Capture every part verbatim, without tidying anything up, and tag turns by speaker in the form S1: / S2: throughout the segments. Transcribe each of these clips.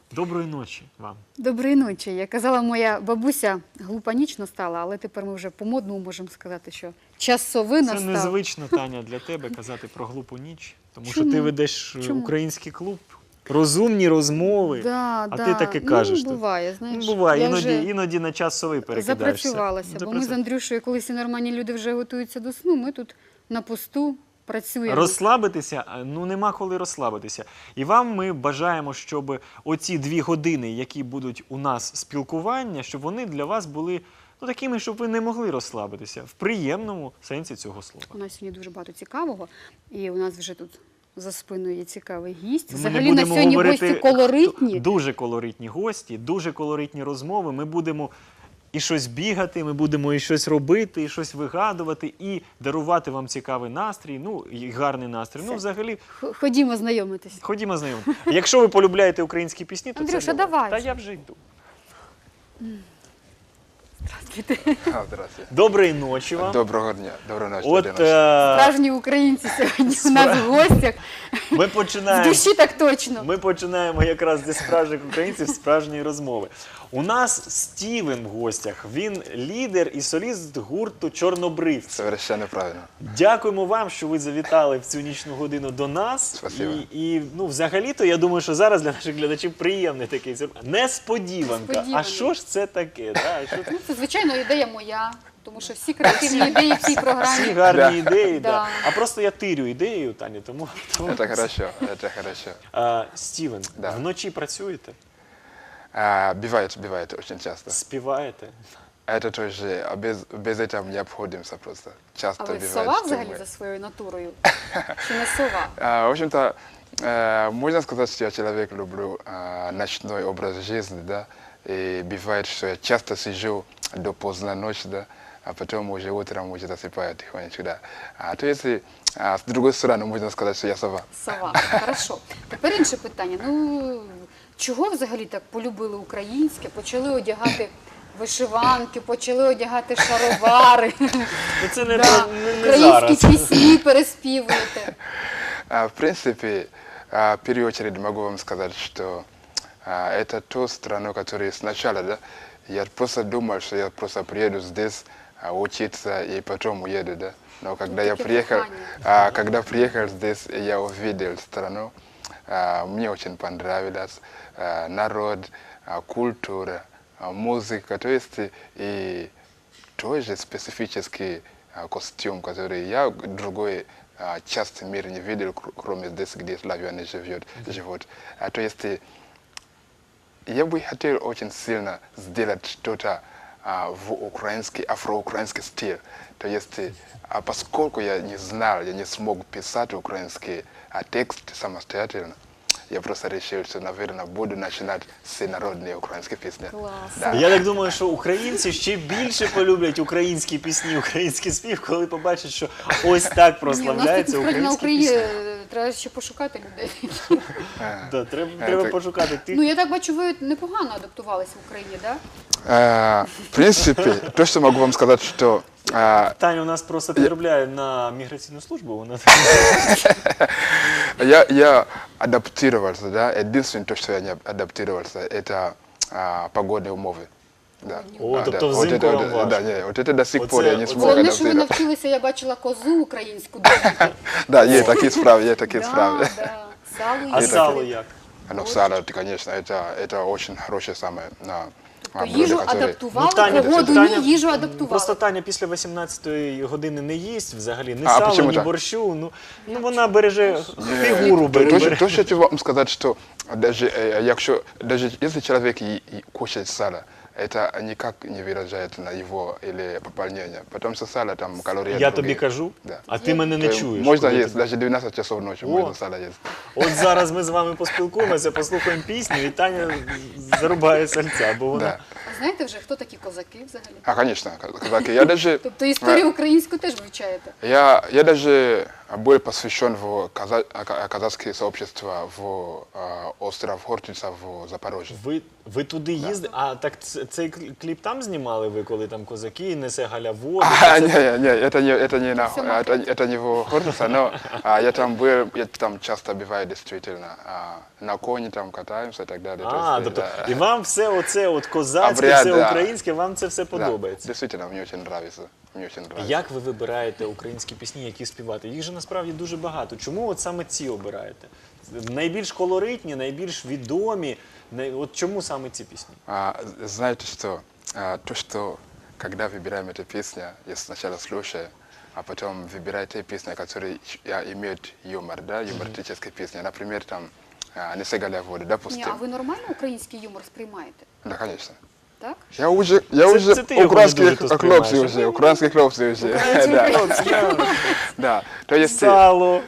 S1: Доброї ночі вам.
S2: Доброї ночі. Як казала моя бабуся, глупа ніч настала, але тепер ми вже по-модному можемо сказати, що часовий
S1: Це
S2: настав.
S1: незвично, Таня, для тебе казати про глупу ніч, тому що
S2: Чому?
S1: ти ведеш
S2: Чому?
S1: український клуб, розумні розмови,
S2: Да,
S1: а
S2: да.
S1: ти таки кажеш.
S2: Ну, буває, знаєш.
S1: Ну, буває,
S2: Я
S1: іноді,
S2: вже
S1: іноді на час сови перекидаєшся.
S2: запрацювалася, бо ми з Андрюшею, коли всі нормальні люди вже готуються до сну, ми тут на посту працюємо.
S1: Розслабитися, ну нема коли розслабитися. І вам ми бажаємо, щоб оці дві години, які будуть у нас спілкування, щоб вони для вас були ну, такими, щоб ви не могли розслабитися в приємному сенсі цього слова.
S2: У нас сьогодні дуже багато цікавого, і у нас вже тут за спиною є цікавий гість.
S1: Ми не
S2: Взагалі на
S1: будемо
S2: сьогодні
S1: говорити,
S2: гості колоритні.
S1: хто- Дуже колоритні гості, дуже колоритні розмови. Ми будемо і щось бігати, ми будемо і щось робити, і щось вигадувати, і дарувати вам цікавий настрій, ну, і гарний настрій. Ну,
S2: Все.
S1: взагалі,
S2: Х- Ходімо знайомитись.
S1: ходімо знайомі. Якщо ви полюбляєте українські пісні, то
S2: Андрюша,
S1: це для вас.
S2: давай
S1: Та
S2: вже.
S1: я вже йду.
S3: А, здравствуйте.
S1: Доброї ночі вам.
S3: Доброго дня. Доброї ночі.
S1: От
S3: доброї ночі.
S1: е,
S2: Справжні українці сьогодні у нас в гостях.
S1: ми
S2: В
S1: починаємо.
S2: душі так точно.
S1: Ми починаємо якраз зі справжніх українців справжньої розмови. У нас Стівен в гостях. Він лідер і соліст гурту «Чорнобривці».
S3: Совершенно правильно.
S1: Дякуємо вам, що ви завітали в цю нічну годину до нас.
S3: Спасибо.
S1: І, і ну, взагалі-то, я думаю, що зараз для наших глядачів приємний такий сюрприз. Несподіванка. А
S2: Несподіваний.
S1: що ж це таке? Да? Що це?
S2: Ну, це, звичайно, ідея моя, тому що всі креативні ідеї в цій
S1: Всі
S2: програмі.
S1: гарні
S3: Да.
S1: ідеї, да.
S2: Да.
S1: А просто я тирю ідеєю, Таня, тому... тому...
S3: Это хорошо, это хорошо.
S1: А, Стівен,
S3: Да.
S1: вночі працюєте?
S3: А, бывает, бывает очень часто.
S1: Співаєте?
S3: Это тоже, а без, без этого не обходимся просто. Часто
S2: А ви
S3: бывает,
S2: сова
S3: что
S2: взагалі
S3: мы-
S2: за своєю натурою? Чи не сова?
S3: А, в общем-то, э, можно сказать, что я человек люблю а, ночной образ жизни, да, и бывает, что я часто сижу до поздно ночи, да, а потом уже утром уже засыпаю тихонечко, да. А то если а, с другой стороны можно сказать, что я сова.
S2: Сова. Хорошо. Тепер інше питання. Ну, чого взагалі так полюбили українське, почали одягати вишиванки, почали одягати шаровари,
S1: Ну, це не,
S2: да.
S1: про- не, не зараз.
S2: українські пісні переспівуєте.
S3: А, В принципе, а, в первую очередь могу вам сказать, что а, это ту страну, которая сначала, да, я просто думал, что я просто приеду здесь а, учиться и потом уеду, да. Но когда я
S2: такие
S3: приехал,
S2: дыхания.
S3: а, когда приехал здесь, я увидел страну, а, мне очень понравилось а, народ, а, культура, а, музыка, то есть и тоже специфический а, костюм, который я другой а, части мира не видел, кр- кроме здесь, где славяне живет, живут. А, то есть и я бы хотел очень сильно сделать что-то а, в украинский, афроукраинский стиль. То есть, а поскольку я не знал, я не смог писать украинский а, текст самостоятельно, я просто решил, что, наверное, буду начинать с народные украинские песни.
S2: Клас.
S3: Да.
S1: Я так думаю, що українці ще більше полюблять українські пісні, український спів, коли побачать, що ось так
S2: Ні, у нас тут
S1: прославляються
S2: насправді на
S1: українські
S2: Україні
S1: пісні.
S2: е, треба ще пошукати людей.
S1: Да, треба,
S3: Е,
S1: треба
S3: так.
S1: пошукати тих.
S2: Ну, я так бачу, ви непогано адаптувалися в Україні, так?
S3: А, в принципе, то, что могу вам сказать, что а,
S1: Таня у нас просто підробляє на міграційну службу. Вона
S3: я, я адаптировался, да, единственное, то, что я не адаптировался, это а, погодные умовы. Да.
S1: О,
S3: А,
S1: тобто
S3: да. Вот
S1: взимку
S3: это,
S1: вам
S3: вот,
S1: важко.
S3: да, не, вот это до сих
S1: Оце-
S3: пор я не
S1: оце-
S3: смог
S2: Головне, що ви
S3: адаптировать.
S2: навчилися, я бачила козу українську добути.
S3: Да, есть такие справы, есть такие
S2: Да,
S3: справы.
S2: да. Сало
S1: А
S2: є.
S1: сало як?
S3: Ну, сало, это, конечно, это, это очень хорошее самое на
S2: То їжу
S3: которые...
S2: адаптували,
S1: Ну, Таня,
S2: погоду
S1: Таня,
S2: ні, їжу адаптували.
S1: Просто Таня після вісімнадцятої години не їсть взагалі, ні
S3: А,
S1: сала,
S3: почему
S1: ні
S3: так?
S1: борщу. Ну, ну вона береже
S3: Не,
S1: фігуру,
S3: то,
S1: бере.
S3: то,
S1: бере.
S3: то, що я хочу вам сказать, что даже, э, якщо, даже если человек и, и кушает сало, это никак не выражает на его или пополнение, потому что сало там калории
S1: Я
S3: другие.
S1: тобі кажу,
S3: Да.
S1: а ти мене не
S3: То есть
S1: чуєш.
S3: Можно
S1: коли
S3: есть,
S1: ти-
S3: даже двенадцать часов ночи
S1: О.
S3: можно сало есть.
S1: От зараз ми з вами поспілкуємося, послухаємо пісню, і Таня зарубає сальця, бо вона...
S3: Да.
S2: А знаєте вже, хто такі козаки взагалі?
S3: А, конечно, казаки. Я даже,
S2: Тобто історію українську теж вивчаєте?
S3: я, я даже был посвящен в каза- ка- казахское сообщество в а, остров Хортица в Запорожье.
S1: Ви, ви туди їздили? А так ц- цей кл- кліп там знімали ви, коли там козаки, несе Галя воду?
S3: А,
S1: Це-
S3: не, не, это не, это не, на,
S2: Всё
S3: это, это не в Хортице, но а, я там был, я там часто бываю действительно. А, на коне там катаемся и так далее. То
S1: А,
S3: есть,
S1: тобто,
S3: да.
S1: і вам все оце от козацьке,
S3: Обряд,
S1: все
S3: да.
S1: українське, вам це все
S3: Да,
S1: подобається?
S3: действительно, мне очень нравится. Мне очень нравится.
S1: Як ви вибираєте українські пісні, які співати? Їх же насправді дуже багато. Чому от саме ці обираєте? Найбільш колоритні, найбільш відомі. най- От чому саме ці пісні?
S3: А, знаете что? А, то, что когда выбираем эту песню, я сначала слушаю, а потом выбираю те песни, которые а, имеют юмор, да, юмористические песни. Например, там а, «Не сигаля воду»,
S2: Ні,
S3: допустим.
S2: а ви нормально український юмор сприймаєте?
S3: Да, конечно.
S2: Так?
S3: Я уже, я
S1: Це-
S3: уже
S1: це ти його не
S3: украинские
S1: дуже тут сприймаєш,
S3: хлопцы
S1: а
S3: уже, украинские хлопцы уже. Да. Да, то есть,
S1: Сало,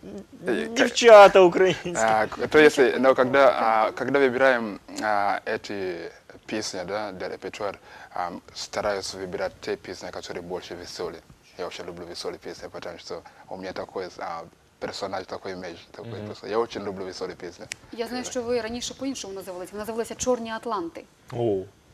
S3: э,
S1: дівчата українські.
S3: а, то есть, но когда, а, когда выбираем а, эти песни, да, для репертуара, а, стараюсь выбирать те песни, которые больше веселые. Я очень люблю веселые песни, потому что у меня такой а, персонаж, такой имидж. Такой персонаж. Я очень люблю веселые песни.
S2: Я знаю, що ви раніше по-іншому називалися. Ви називалися «Чорні Атланти».
S1: О.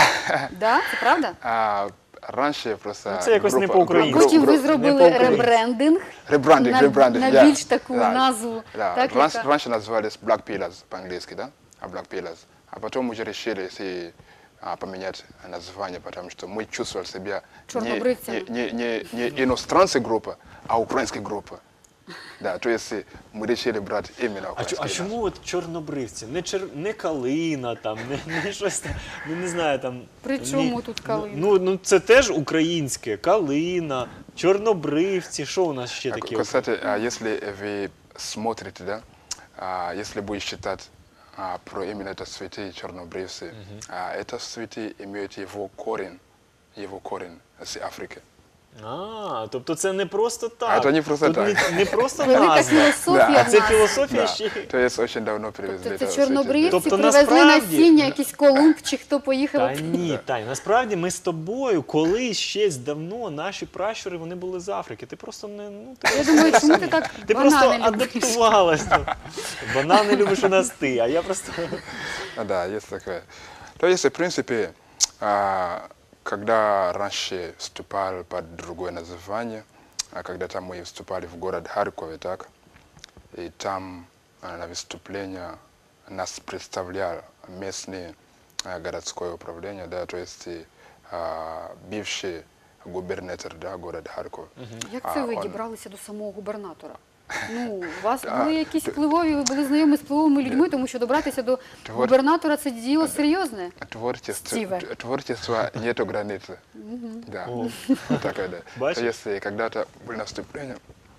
S2: Да? Це правда?
S3: А, раньше просто...
S1: Ну, це якось не
S3: группа-
S1: по-українськи.
S3: гру-
S2: Потім ви
S3: гру-
S2: зробили
S1: по-українськи.
S2: ребрендинг
S3: Ребрандинг,
S2: на,
S3: ребрандинг,
S2: на
S3: yeah.
S2: більш таку
S3: Да.
S2: назву.
S3: Да.
S2: Так,
S3: Раньше,
S2: яка-
S3: раньше назывались Black Pillars по-английски, да? А Black Pillars. А потом уже решили если, а, поменять название, потому что мы чувствовали себя не,
S2: Чернобрывцами.
S3: не, не, не, не иностранцы группа, а украинская группа. Да, то есть мы решили брать именно
S1: А, чо-
S3: украинский
S1: а чому от чорнобривці? Не, чер... не калина, там, не, не щось там, ну не знаю там.
S2: При
S1: ні-
S2: чому тут калина?
S1: Ну, ну це теж українське. Калина, чорнобривці. Що у нас ще
S3: А,
S1: таке?
S3: кстати, а, если вы смотрите, да, а, если будете читать а, про именно это цветы чернобривцы, а, это цветы имеют его корень, его корень с Африки.
S1: А, тобто це не просто так.
S3: А, це не просто
S1: Тут
S3: так.
S1: Не, не просто
S2: Велика
S1: назва.
S2: філософія
S3: Да.
S2: в
S1: А це
S2: нас.
S1: філософія
S3: Да.
S1: ще. й-
S3: То есть очень давно привезли.
S2: Тобто
S3: это
S2: це
S3: цветы.
S2: чорнобривці
S1: Тобто,
S2: привезли
S1: насправді-
S2: насіння, якийсь Колумб чи хто поїхав.
S1: Та ні, Тань, насправді ми з тобою колись ще давно наші пращури вони були з Африки. Ти просто не ну ти,
S2: Я думаю, чому ти так
S1: ти просто
S2: банани любиш?
S1: адаптувалась. Ну. Банани любиш у нас ти, а я просто.
S3: А, да, есть такое. То есть, в принципе, а, когда раньше вступал под другое название, а когда-то мы вступали в город Харькове, так, и там а, на выступление нас представлял местное а, городское управление, да, то есть а, бывший губернатор, да, города Харькова.
S2: Як
S3: А,
S2: це ви
S3: он-
S2: дібралися до самого губернатора? Ну, у вас
S3: А,
S2: були якісь
S3: т-
S2: впливові, ви були знайомі з впливовими людьми, тому що добратися до
S3: Твор-
S2: губернатора це діло серйозне.
S3: Творчество,
S2: Стиве.
S3: т- творчество нету границы. Да.
S1: О.
S3: Такое, да.
S1: Бачишь?
S3: То есть когда-то было наступление,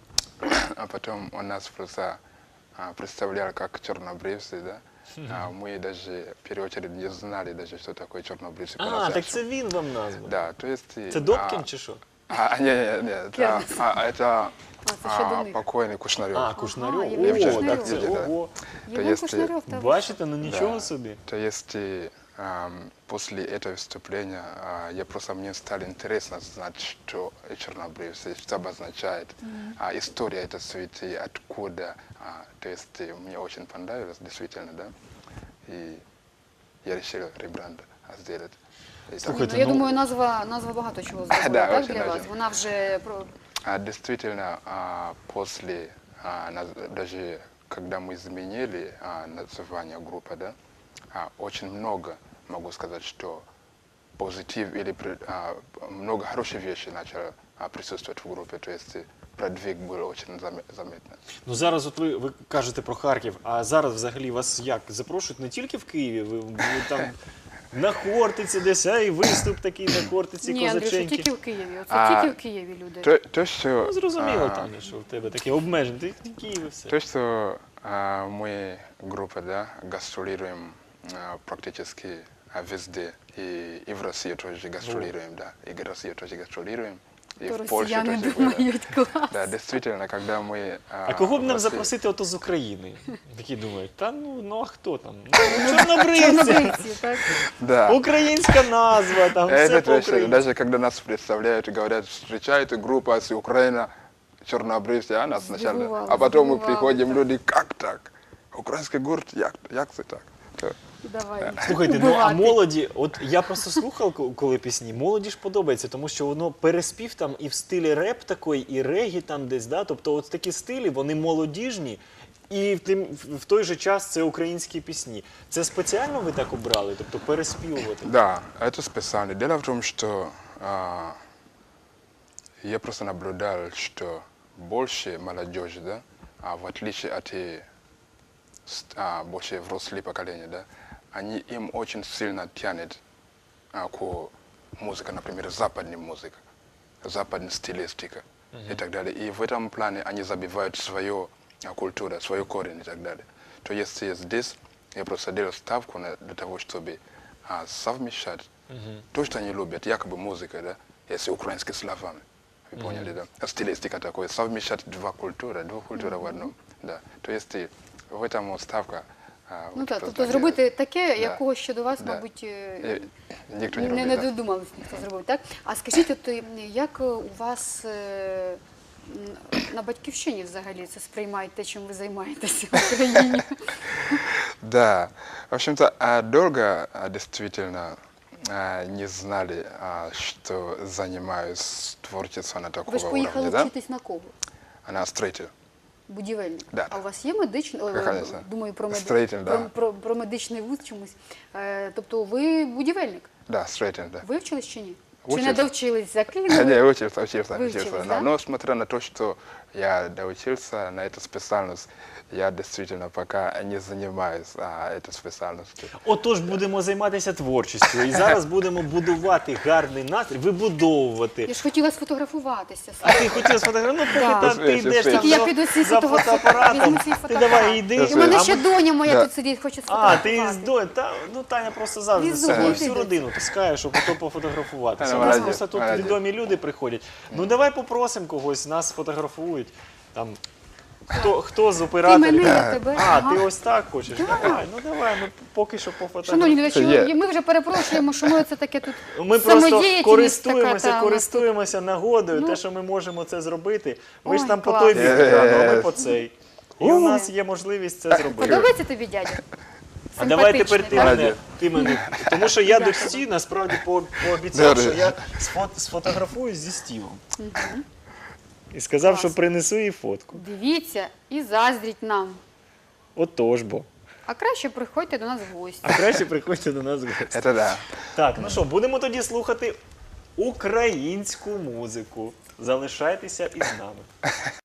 S3: а потом он нас просто а, представлял как чернобривцы, да. А мы даже в первую очередь не знали даже, что такое чернобривцы.
S1: А, так
S3: по-настоящему.
S1: це він вам назвав.
S3: Да, то есть...
S1: Це Добкін чи що?
S3: А, не, не, не, это,
S2: Кернес.
S3: а, это
S2: А, це ще до
S3: а,
S2: них.
S3: покойный Кушнарев.
S1: А, Кушнарьов.
S2: Євген
S1: О,
S2: Кушнарьов.
S1: так це
S3: Да.
S1: ого.
S2: Євген
S3: есть,
S2: Кушнарьов, та ви
S1: Бачите, ну
S3: Да.
S1: нічого собі.
S3: То есть э, ам, после этого выступления а, я просто мне стало интересно знать, что чернобривцы, что обозначает, а, история этой цветы, откуда. А, то есть э, мне очень понравилось, действительно, да. И я решил ребранд сделать. И так,
S1: Слухайте,
S2: Ну, я
S1: ну-
S2: думаю, назва, назва багато чого зробила,
S3: Да,
S2: так,
S3: очень,
S2: для вас?
S3: очень.
S2: Вона вже про
S3: а, действительно, а, после, а, наз- даже когда мы изменили а, название группы, да, а, очень много, могу сказать, что позитив или при- а, много хороших вещей начало а, присутствовать в группе, то есть э, продвиг был очень заме- заметный.
S1: Ну зараз от ви, ви кажете про Харків, а зараз взагалі вас як запрошують не тільки в Києві, ви, ви там на Хортиці десь, а і виступ такий на Хортиці,
S2: ні, Андрюша,
S1: козаченьки.
S2: тільки в Києві. Оце
S3: А,
S2: тільки в Києві люди.
S3: То, то что,
S1: Ну зрозуміло,
S3: а,
S1: Таня, що в тебе таке обмеження, ти в Києві все.
S3: то, что а, мы, группа, да, гастролируем а, практически а, везде, и, и в России тоже гастролируем, да, и в России тоже гастролируем, и
S2: То
S3: в Польше
S2: росіяни
S3: тоже были.
S2: думають, клас.
S3: Да, действительно, когда мы...
S1: А кого б
S3: в
S1: нам
S3: России-
S1: запросити ото з України? Такі думають, та ну, ну а хто там? Ну, чорнобривці,
S2: Чорнобривці, так?
S3: Да.
S1: українська назва, там все
S3: Это точно.
S1: по-українськи.
S3: Даже когда нас представляют и говорят, встречайте группа с Украины, чернобривцы, а нас сначала,
S2: Сбивало,
S3: а потом мы
S2: сбивало,
S3: приходим,
S2: да.
S3: люди, как так? Украинский город, як, як це так? То-
S2: Давай.
S1: Слухайте, ну а
S2: Убивати.
S1: молоді, от я просто слухав, ко- коли пісні, молоді ж подобається, тому що воно переспів там і в стилі реп такий, і регі там десь, да? Тобто от такі стилі, вони молодіжні, і в, тим, в той же час це українські пісні. Це спеціально ви так обрали, тобто переспівувати?
S3: Да, это специально. Дело в том, что а, я просто наблюдал, что больше молодежи, да, а в отличие от э, с- а, больше взрослые поколения, да, они им очень сильно тянет а, к музыке, например, западная музыка, западная стилистика и так далее. И в этом плане они забивают свою а, культуру, свою корень и так далее. То есть э, здесь я просто делаю ставку на, для того, чтобы а, совмещать то, что они любят, якобы музыка, да, если украинские словами. Вы поняли, да? Стилистика такой, совмещать два культуры, два культуры в одном. Да. То есть э, в этом ставка. а,
S2: Ну
S3: вот
S2: так,
S3: просто
S2: тобто
S3: делает.
S2: зробити таке,
S3: Да.
S2: якого ще до вас,
S3: Да.
S2: мабуть, е,
S3: Э, Никто не,
S2: не,
S3: любит,
S2: не
S3: да.
S2: додумались ніхто зробив, так? А скажіть, от е, як е, у вас е, м, на батьківщині взагалі це сприймають те, чим ви займаєтеся в Україні?
S3: Да, в общем-то, а, долго а, действительно а, не знали, а, что занимаюсь творчеством на такого
S2: Ви ж поїхали
S3: уровня, да?
S2: вчитись на кого?
S3: Она строитель.
S2: Будівельник.
S3: Да.
S2: А у вас є медичний, ой,
S3: Конечно.
S2: думаю, про, меди...
S3: Строїтель, да.
S2: про, про, про медичний вуз чомусь. Е, тобто ви будівельник?
S3: Да, строитель, да.
S2: Ви вчились чи ні? Чи
S3: Учився.
S2: не довчились,
S3: Я
S2: закинули?
S3: не учился, учился,
S2: Вы
S3: учился.
S2: учились,
S3: да.
S2: да?
S3: Но смотря на то, что я доучился на эту специальность, я действительно пока не занимаюсь а, этой специальностью.
S1: Отож, будемо займатися творчістю. І зараз будемо будувати гарний настрій, вибудовувати.
S2: Я ж хотіла сфотографуватися.
S1: А ти хотів сфотографувати? Ну, поки
S2: Да.
S1: там ти йдеш там
S2: Тільки я
S1: за-
S2: піду свій
S1: за
S2: фотоапарат,
S1: фотоапаратом.
S2: візьму свій
S1: Ти
S2: фотоапарат.
S1: давай йди.
S2: І в мене
S1: а
S2: ще
S1: ми-
S2: доня моя
S3: Да.
S2: тут сидить, хоче
S1: А,
S2: сфотографувати.
S1: ти з Донь, та, ну Таня просто завжди
S2: Візу,
S1: з собою
S2: візу
S1: всю
S2: йдеться.
S1: родину таскає, щоб ото пофотографуватися.
S3: Та,
S1: У нас
S3: молодець,
S1: просто тут
S3: молодець.
S1: відомі люди приходять. Ну давай попросимо когось, нас фотографують. Там, хто, хто з
S2: Ти
S1: операторів?
S2: мене, я тебе.
S1: А,
S2: Ага.
S1: ти ось так хочеш? Давай, ну давай, ми поки що
S2: Шановні
S1: пофотографуємо.
S2: глядачі,
S3: Є.
S2: ми вже перепрошуємо, що ми це таке тут
S1: Ми просто
S2: самодіяльність
S1: користуємося,
S2: така, та, у нас
S1: користуємося нагодою,
S2: Ну.
S1: те, що ми можемо це зробити. Ви ж
S2: Ой,
S1: там по
S2: клас.
S1: той бік екрану, а ми
S3: Є.
S1: по цей. І у нас є можливість це
S2: тут.
S1: зробити.
S2: Подобається тобі, дядя?
S1: А давай тепер ти
S2: Симпатичний,
S1: мене,
S3: Молодець.
S1: ти мене. Тому що я
S2: Дякую.
S1: дочці насправді по- пообіцяв,
S3: Добре.
S1: що я сфот- сфотографуюсь зі Стівом. І сказав, що
S2: Клас.
S1: принесу їй фотку.
S2: Дивіться і заздріть нам.
S1: Отож бо.
S2: А краще приходьте до нас в гості.
S1: А краще приходьте до нас в гості.
S3: Это да.
S1: Так, ну що, будемо тоді слухати українську музику. Залишайтеся із нами.